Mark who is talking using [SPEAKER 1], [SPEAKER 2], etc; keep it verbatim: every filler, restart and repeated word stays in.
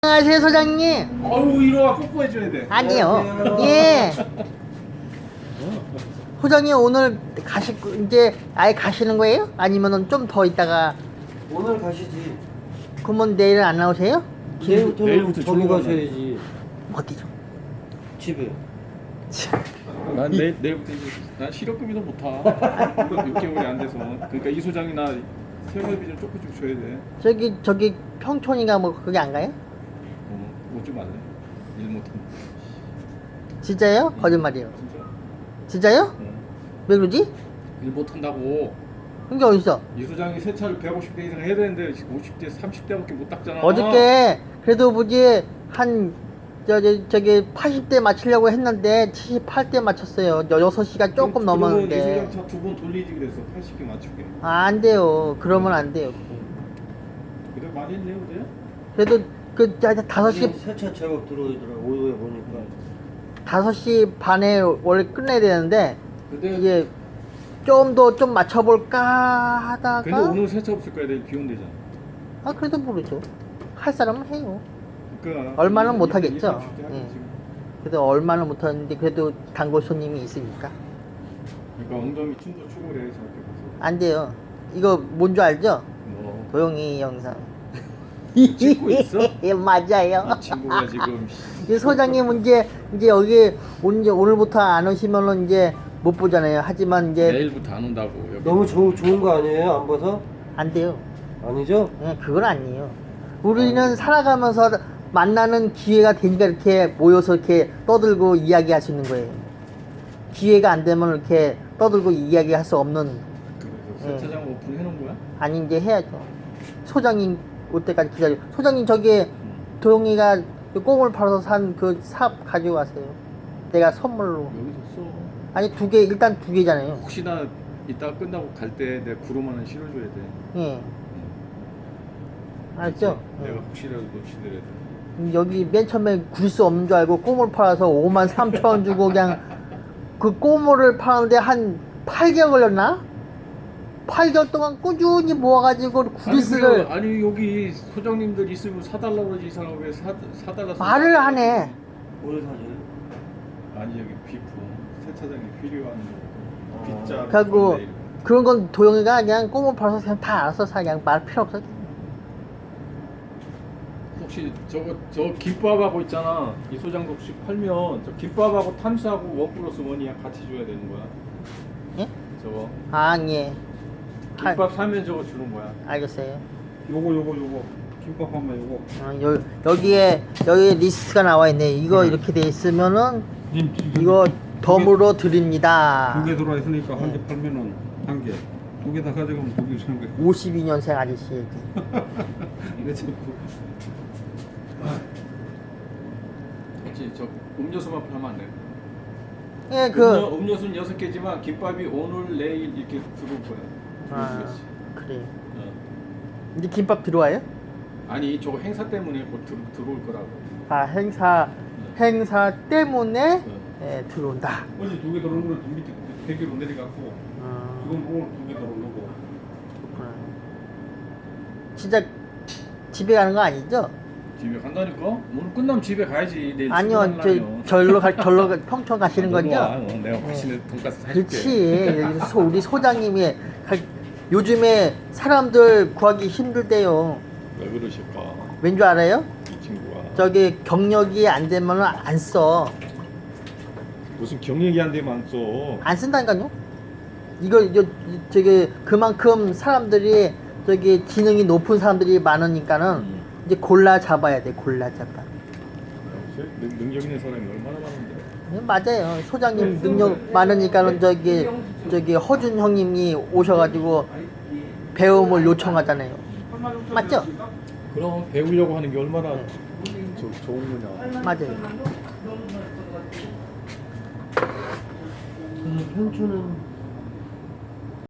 [SPEAKER 1] 안녕하세요, 소장님.
[SPEAKER 2] 어우, 이리 와. 뽀뽀해줘야 돼.
[SPEAKER 1] 아니요. 예. 소장님 오늘 가실 거- 이제 아예 가시는 거예요? 아니면은 좀 더 있다가
[SPEAKER 3] 오늘 가시지.
[SPEAKER 1] 그러면 내일은 안 나오세요?
[SPEAKER 3] 내일부터
[SPEAKER 2] 내일부터
[SPEAKER 3] 저기
[SPEAKER 2] 출근
[SPEAKER 3] 가셔야지.
[SPEAKER 1] 어디죠?
[SPEAKER 3] 집에.
[SPEAKER 2] 난 내일, 내일부터 이제 난 실업급여도 못 타. 육 개월이 안 돼서. 그러니까 이 소장이 나 생활비 좀 조금씩 줘야 돼.
[SPEAKER 1] 저기 저기 평촌인가 뭐 거기 안 가요?
[SPEAKER 2] 어, 뭐좀 할래? 일 못하면.
[SPEAKER 1] 진짜요? 거짓말이에요.
[SPEAKER 2] 진짜.
[SPEAKER 1] 진짜요?
[SPEAKER 2] 어.
[SPEAKER 1] 왜 그러지?
[SPEAKER 2] 일 못한다고.
[SPEAKER 1] 그게 어딨어?
[SPEAKER 2] 이 소장이 세차를 백오십 대 이상 해야 되는데 오십 대, 삼십 대밖에 못 닦잖아.
[SPEAKER 1] 어저께 그래도 뭐지 한 저기 저기 팔십 대 맞추려고 했는데 칠십팔 대 맞췄어요. 여섯 시간 조금
[SPEAKER 2] 이
[SPEAKER 1] 넘었는데.
[SPEAKER 2] 소장 차 두 번 돌리지 그래서 팔십 개 맞추게.
[SPEAKER 1] 아, 안 돼요. 그러면 안 돼요.
[SPEAKER 2] 그래 많이 했네요, 그래?
[SPEAKER 1] 그래도 그 다섯 시
[SPEAKER 3] 세차 제법 들어오더라. 오후에 보니까.
[SPEAKER 1] 다섯 시 반에 원래 끝내야 되는데
[SPEAKER 2] 근데
[SPEAKER 1] 이게 좀 더 좀 맞춰볼까 하다가
[SPEAKER 2] 근데 오늘 세차 없을 거야. 내일 비 온대잖아.
[SPEAKER 1] 아 그래도 모르죠. 할 사람은 해요.
[SPEAKER 2] 그러니까
[SPEAKER 1] 얼마는
[SPEAKER 2] 이-
[SPEAKER 1] 못
[SPEAKER 2] 이-
[SPEAKER 1] 하겠죠?
[SPEAKER 2] 이- 삼십 대 하지,
[SPEAKER 1] 예.
[SPEAKER 2] 지금.
[SPEAKER 1] 그래도 얼마는 못하는데 그래도 단골 손님이 있으니까
[SPEAKER 2] 그러니까 엉덩이 춤도 추고 그래 저렇게 봐서.
[SPEAKER 1] 안 돼요. 이거 뭔 줄 알죠?
[SPEAKER 2] 뭐
[SPEAKER 1] 도영이 영상.
[SPEAKER 2] 찍고 있어?
[SPEAKER 1] 예, 맞아요.
[SPEAKER 2] 이 친구가 지금
[SPEAKER 1] 이 소장님 이제 이제 여기 온- 이제 오늘부터 안 오시면은 이제 못 보잖아요. 하지만 이제
[SPEAKER 2] 내일부터 안 온다고. 여기.
[SPEAKER 3] 너무 좋은 좋은 거 아니에요? 안 봐서?
[SPEAKER 1] 안 돼요.
[SPEAKER 3] 아니죠?
[SPEAKER 1] 예, 그건 아니에요. 우리는 살아가면서 만나는 기회가 되니까 이렇게 모여서 이렇게 떠들고 이야기할 수 있는 거예요. 기회가 안 되면 이렇게 떠들고 이야기할 수 없는.
[SPEAKER 2] 그래서 세차장 오픈해 놓은 거야?
[SPEAKER 1] 아니 이제 해야죠. 소장님 올 때까지 기다려. 소장님 저기 도영이가 그 꽁을 팔아서 산 그 삽 가지고 가세요. 내가 선물로.
[SPEAKER 2] 여기 줬어.
[SPEAKER 1] 아니 두 개 일단 두 개잖아요.
[SPEAKER 2] 혹시나 이따 끝나고 갈 때 내가 구름 하나 실어줘야 돼.
[SPEAKER 1] 예. 알죠?
[SPEAKER 2] 내가
[SPEAKER 1] 예.
[SPEAKER 2] 혹시라도 놓치더라도.
[SPEAKER 1] 여기 맨 처음에 굴 수 없는 줄 알고 꼬물 팔아서 오만 삼천 원 주고 그냥 그 꼬물을 파는데 한 팔 개월 걸렸나? 팔 개월 동안 꾸준히 모아가지고 구리스를
[SPEAKER 2] 아니, 그래. 아니 여기 소장님들 있으면 사달라고 그러지 이 사람 왜 사, 사달라
[SPEAKER 1] 말을 하네.
[SPEAKER 3] 뭘 사줘요?
[SPEAKER 2] 아니 여기 비품 세차장에 필요한
[SPEAKER 3] 어.
[SPEAKER 2] 빗자
[SPEAKER 1] 그리고 그런 건 도영이가 그냥 꼬물 팔아서 그냥 다 알아서 사. 그냥 말 필요 없어.
[SPEAKER 2] 혹시 저거 저 김밥하고 있잖아 이 소장도 혹시 팔면 저 김밥하고 탐스하고 원 플러스 원이야 같이 줘야 되는 거야
[SPEAKER 1] 예?
[SPEAKER 2] 저거
[SPEAKER 1] 아, 예. 할-
[SPEAKER 2] 김밥 사면 저거 주는 거야
[SPEAKER 1] 알겠어요.
[SPEAKER 4] 요거 요거 요거 김밥 한번 요거
[SPEAKER 1] 어, 여, 여기에 여기 리스트가 나와 있네. 이거 이렇게 돼 있으면은 이거 덤으로 드립니다.
[SPEAKER 4] 두 개 들어와 있으니까 한 개
[SPEAKER 1] 네.
[SPEAKER 4] 팔면은 한 개, 두 개 다 가져가면 두 개 주는 거야.
[SPEAKER 1] 오십이 년생 아저씨.
[SPEAKER 4] 이래 자꾸
[SPEAKER 2] 그렇지 저 음료수만 팔면 안 돼.
[SPEAKER 1] 예, 그
[SPEAKER 2] 음료, 음료수는 여섯 개지만 김밥이 오늘 내일 이렇게 들어올 거야.
[SPEAKER 1] 아,
[SPEAKER 2] 들어오겠지.
[SPEAKER 1] 그래.
[SPEAKER 2] 어.
[SPEAKER 1] 이제 김밥 들어와요?
[SPEAKER 2] 아니 저거 행사 때문에 곧 들, 들어올 거라고.
[SPEAKER 1] 아, 행사 행사 때문에
[SPEAKER 2] 어.
[SPEAKER 1] 예, 들어온다.
[SPEAKER 4] 어제 두 개 들어오는 거는 좀 밑에 대기로 내려갔고
[SPEAKER 1] 어,
[SPEAKER 4] 지금 오늘 두 개 들어오는 거고.
[SPEAKER 1] 그렇구나. 진짜 집에 가는 거 아니죠?
[SPEAKER 2] 집에 간다니까? 오늘 끝나면 집에 가야지. 내일
[SPEAKER 1] 아니요, 저
[SPEAKER 2] 출근하려면.
[SPEAKER 1] 절로 가 절로 가, 평촌 가시는
[SPEAKER 2] 아, 너도 와.
[SPEAKER 1] 거죠?
[SPEAKER 2] 어, 내가
[SPEAKER 1] 네.
[SPEAKER 2] 맛있는 돈가스 사줄게.
[SPEAKER 1] 그렇지. 여기 소, 우리 소장님이 갈- 요즘에 사람들 구하기 힘들대요.
[SPEAKER 2] 왜 그러실까?
[SPEAKER 1] 왠 줄 알아요?
[SPEAKER 2] 이 친구가
[SPEAKER 1] 저기 경력이 안 되면 안 써.
[SPEAKER 2] 무슨 경력이 안 되면 안 써.
[SPEAKER 1] 안 쓴다니까요. 이거 이거 저기 그만큼 사람들이 저기 지능이 높은 사람들이 많으니까는
[SPEAKER 2] 음.
[SPEAKER 1] 이제 골라 잡아야 돼. 골라 잡아.
[SPEAKER 2] 능, 능력 있는 사람이 얼마나 많은데.
[SPEAKER 1] 네, 맞아요. 소장님 능력 많으니까는 저기 저기 허준 형님이 오셔가지고 배움을 요청하잖아요. 맞죠?
[SPEAKER 2] 그럼 배우려고 하는 게 얼마나
[SPEAKER 1] 네.
[SPEAKER 2] 저, 좋은 거냐.
[SPEAKER 1] 맞아요.
[SPEAKER 3] 저는 평촌은